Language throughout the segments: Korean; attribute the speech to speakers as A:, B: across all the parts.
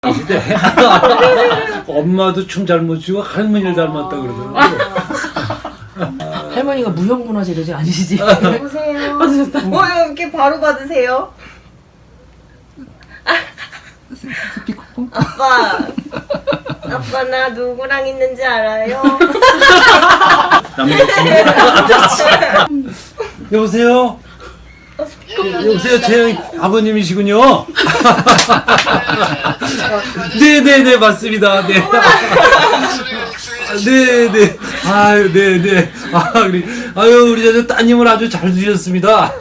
A: 엄마도 춤 잘 못 추고 할머니를 닮았다 그러더라고.
B: 할머니가 무형문화재료지 아니시지?
C: 여보세요.
B: 받으셨다.
C: 이렇게 바로 받으세요? 아빠. 아빠 나 누구랑 있는지 알아요?
A: 여보세요? 여보세요, 제 아버님이시군요. 네네네, 맞습니다. 네. 네네. 아유, 네네. 아유, 우리 저 따님을 아주 잘 두셨습니다.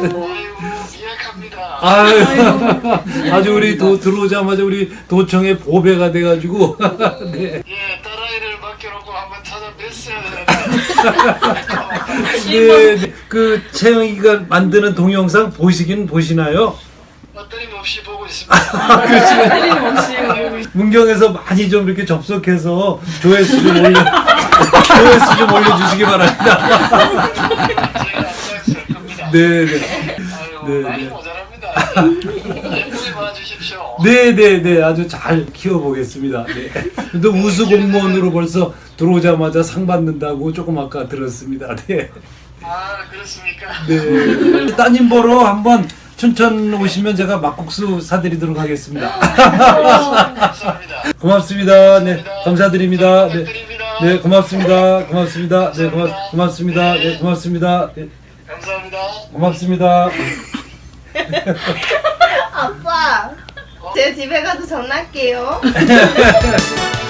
A: 아유, 아주 우리 들어오자마자 우리 도청의 보배가 돼가지고. 네.
D: 예, 딸아이를 맡겨놓고 한번 찾아뵀어야 되는데.
A: 네, 그 채영이가 만드는 동영상 보시나요?
D: 어떠림없이 보고 있습니다.
A: 문경에서 많이 좀 이렇게 접속해서 조회수 좀 올려주시기 바랍니다.
D: 제가 앞장설 겁니다.
A: 네네.
D: 아유, 많이 모자랍니다. 예쁘게 봐주십시오.
A: 네네네, 아주 잘 키워보겠습니다. 네. 또 우수 공무원으로 벌써 들어오자마자 상 받는다고 조금 아까 들었습니다. 네.
D: 아, 그렇습니까?
A: 네. 따님 보러 한번 춘천 오시면 제가 막국수 사드리도록 하겠습니다.
D: 감사합니다.
A: 고맙습니다. 네, 감사드립니다. 네,
D: 부탁드립니다.
A: 네, 고맙습니다. 고맙습니다. 네, 고맙습니다. 네, 고맙습니다. 네,
D: 감사합니다.
A: 고맙습니다.
C: 아빠. 제가 집에 가서 전화할게요.